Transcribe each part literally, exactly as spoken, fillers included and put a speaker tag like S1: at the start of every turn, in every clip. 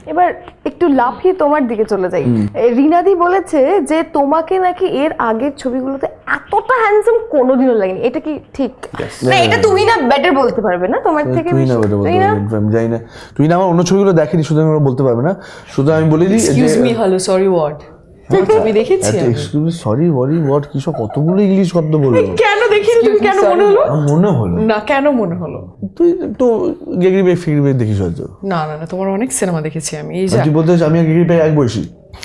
S1: এবার একটু লাফিয়ে তোমার দিকে চলে যাই। রিনাদি বলেছে যে তোমাকে নাকি এর আগের ছবিগুলোতে এতটা হ্যান্ডসাম কোনোদিনও লাগেনি, এটা কি ঠিক? না এটা তুমি না বেটার বলতে পারবে না, তোমার থেকে
S2: তুই না বেটার বলতে পারবি, আমি জানি না, তুই না আমার অন্য ছবিগুলো দেখেনি, শুধু আমি বলতে পারবে না, শুধু আমি বলে দিই
S3: excuse me hello sorry word তুমি দেখেছি আমি
S2: excuse me sorry worry what কি সব কতগুলো ইংলিশ শব্দ বললো,
S3: কেন দেখিনি তুমি কেন মনে হলো
S2: আমার মনে হলো
S3: না কেন মনে হলো
S2: তুই তো গেগরি ভাই ফিগরি ভাই দেখিস হয়তো।
S3: না না না তোমার অনেক সিনেমা দেখেছি আমি এই যে
S2: তুই বলতে চাস আমি আর গেগরি ভাই এক বয়সী?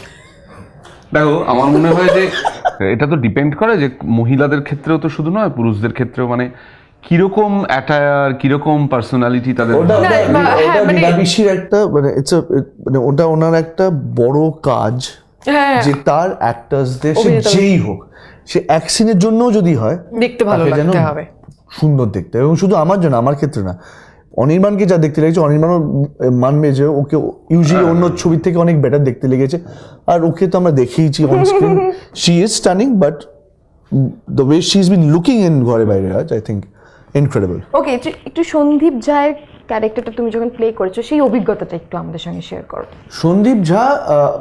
S4: দেখো আমার মনে হয় যে এটা তো ডিপেন্ড করে যে মহিলাদের ক্ষেত্রেও তো শুধু নয় পুরুষদের ক্ষেত্রেও মানে কিরকম অ্যাটায়ার কিরকম পার্সোনালিটি তাদের
S2: ওটা
S3: না,
S2: ওটা-
S3: বা- হ্যাঁ,
S2: ওটা
S3: মানে-
S2: নীলাভিষির একটা মানে ইটস মানে ওটা ওনার একটা বড় কাজ
S3: হ্যাঁ
S2: যে তার অ্যাক্টার্সদের সে
S3: অভিনেতা-
S2: যেই হোক সে এক সিনের জন্যও যদি হয়
S3: দেখতে ভালো
S2: তাকে যেন
S3: লাগতে হবে
S2: সুন্দর দেখতে, এবং শুধু আমার জন্য আমার ক্ষেত্রে না, অনির্বাণকে যা দেখতে লেগেছে অনির্বাণও মানবে যে ওকে ইউজুয়ালি অন্য ছবির থেকে অনেক বেটার দেখতে লেগেছে, আর ওকে তো আমরা দেখেইছি on screen, she is stunning, but the way she is been looking in ঘরে বাইরে আজ আই থিঙ্ক ইনক্রেডিবল।
S1: ওকে, একটু সন্দীপ ঝায়ের ক্যারেক্টারটা তুমি যখন প্লে করেছো সেই অভিজ্ঞতাটা একটু আমাদের সঙ্গে শেয়ার করো।
S2: সন্দীপ ঝা আহ,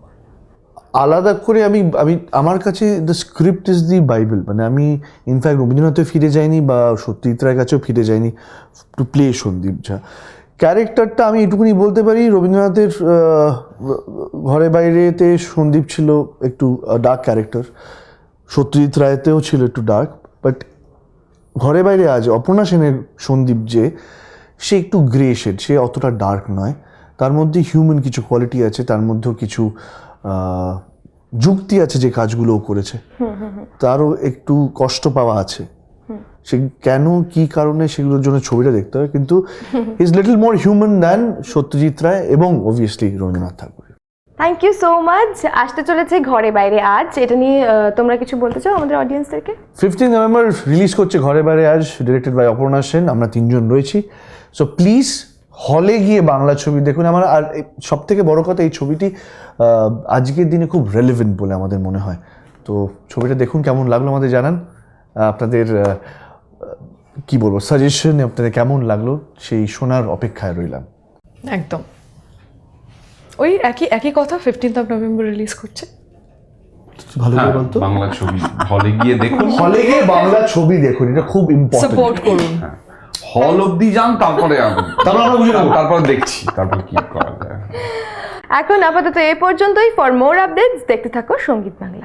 S2: আলাদা করে আমি আমি আমার কাছে the script is the Bible, মানে আমি ইনফ্যাক্ট রবীন্দ্রনাথে ফিরে যাইনি বা সত্যজিৎ রায়ের কাছেও ফিরে যাইনি টু প্লে সন্দীপ ঝা। ক্যারেক্টারটা আমি এটুকুনি বলতে পারি, রবীন্দ্রনাথের আহ, ঘরে বাইরেতে সন্দীপ ছিল একটু ডার্ক ক্যারেক্টার, সত্যজিৎ রায়তেও ছিল একটু ডার্ক, বাট ঘরে বাইরে আজ অপর্ণা সেনের সন্দীপ যে সে একটু গ্রে শেড, সে অতটা ডার্ক নয়, তার মধ্যে হিউম্যান কিছু কোয়ালিটি আছে, তার মধ্যেও কিছু আহ, যুক্তি আছে যে কাজগুলো ও করেছে, তারও একটু কষ্ট পাওয়া আছে, সে কেন কি কারণে সেগুলোর জন্য ছবিটা দেখতে হবে, কিন্তু is little more human than Satyajit Ray এবং obviously Rabindranath Tagore.
S1: Thank you so much. আসতে চলেছে ঘরে বাইরে আজ, এটা নিয়ে আহ, তোমরা কিছু বলতে চাও আমাদের অডিয়েন্সদেরকে?
S2: ফিফটিন নভেম্বর রিলিজ করছে ঘরে বাইরে আজ, ডিরেক্টেড বাই অপর্ণা সেন, আমরা তিনজন রয়েছি, সো প্লিজ হলে গিয়ে বাংলা ছবি দেখুন। আমার আর সব থেকে বড় কথা এই ছবিটি আহ, আজকের দিনে খুব রেলেভেন্ট বলে আমাদের মনে হয়, তো ছবিটা দেখুন, কেমন লাগলো আমাদের জানান, আহ, আপনাদের আহ, কি বলবো সাজেশন আপনাদের কেমন লাগলো সেই শোনার অপেক্ষায় রইলাম।
S3: একদম ওই একই একই কথা ফিফটিন্থ অফ নভেম্বর রিলিজ করছে।
S2: ভালো করে
S4: হ্যাঁ,
S2: বলতো,
S4: বাংলা ছবি হলে গিয়ে দেখুন,
S2: হলে গিয়ে বাংলা ছবি দেখুন, এটা খুব ইম্পর্টেন্ট।
S3: সাপোর্ট করুন,
S4: হল অব্দি যান তারপরে আসুন,
S2: তারপর আমরা বুঝে নেবো।
S4: তারপর দেখছি তারপর কি করা যায়।
S1: এখন আপাতত এ পর্যন্তই। ফর মোর আপডেটস দেখতে থাকো সঙ্গীত বাংলা।